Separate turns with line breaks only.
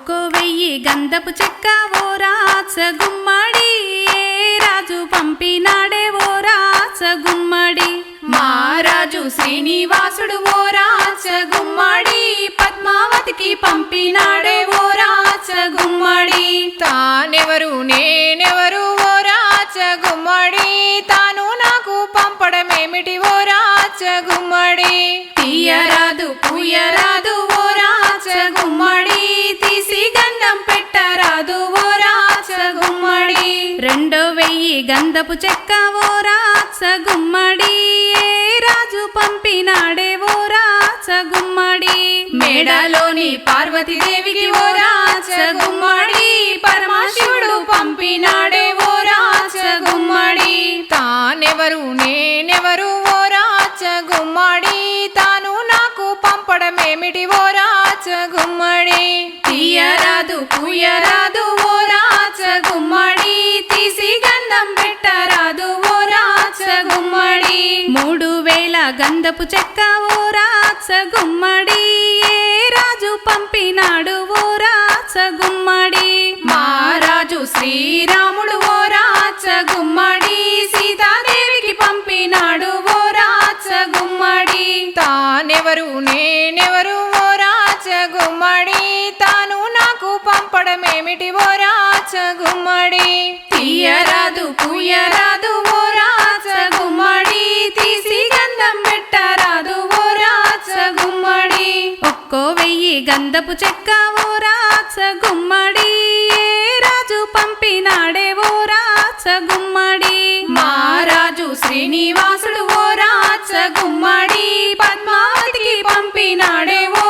1000 గంధపు చెక్క ఓ రాచ గుమ్మడి ఏ రాజు పంపినాడే ఓ రాచ గుమ్మడి మహారాజు శ్రీనివాసుడు ఓ రాచ గుమ్మడి పద్మావతికి పంపినాడే ఓ రాచ గుమ్మడి
తానెవరు నేనెవరు ఓ రాచ గుమ్మడి తాను నాకు పంపడమేమిటి ఓ రాచ గుమ్మడి
తీయరాదు పూయరాదు ఓ రాచ గుమ్మడి తీసి గంధం పెట్టరాదు ఓ రాచ గుమ్మడి 2000 గంధపు చెక్క ఓ రాచ గుమ్మడి ఏ రాజు పంపినాడే ఓ రాచ గుమ్మడి మేడలోని పార్వతీదేవికి ఓ రాచ గుమ్మడి పరమశివుడు పంపినాడే ఓ రాచ గుమ్మడి
తానెవరు నేనెవరు ఓ రాచ గుమ్మడి తాను నాకు పంపడమేమిటి ఓ రాచ గుమ్మడి
తీయరాదు పూయరాదు ఓ రాచ గుమ్మడి తీసి గంధం పెట్టరాదు ఓ రాచ గుమ్మడి 3000 గంధపు చెక్క ఓ రాచ గుమ్మడి ఏ రాజు పంపినాడు ఓ రాచ గుమ్మడి మహారాజు శ్రీరాముడు ఓ రాచ గుమ్మడి సీతాదేవికి పంపినాడు ఓ రాచ గుమ్మడి
తానెవరు నేనెవరు ఓ రాచ గుమ్మడి తాను నాకు పంపడమేమిటి ఓ రాచ గుమ్మడి
తీయరాదు పూయరాదు ఓ రాచ గుమ్మడి తీసి గంధం పెట్టరాదు ఓ రాచ గుమ్మడి 1000 గంధపు చెక్క ఓ రాచ గుమ్మడి ఏ రాజు పంపినాడే ఓ రాచ గుమ్మడి మహారాజు శ్రీనివాసుడు ఓ రాచ గుమ్మడి పద్మావతికి పంపినాడే ఓ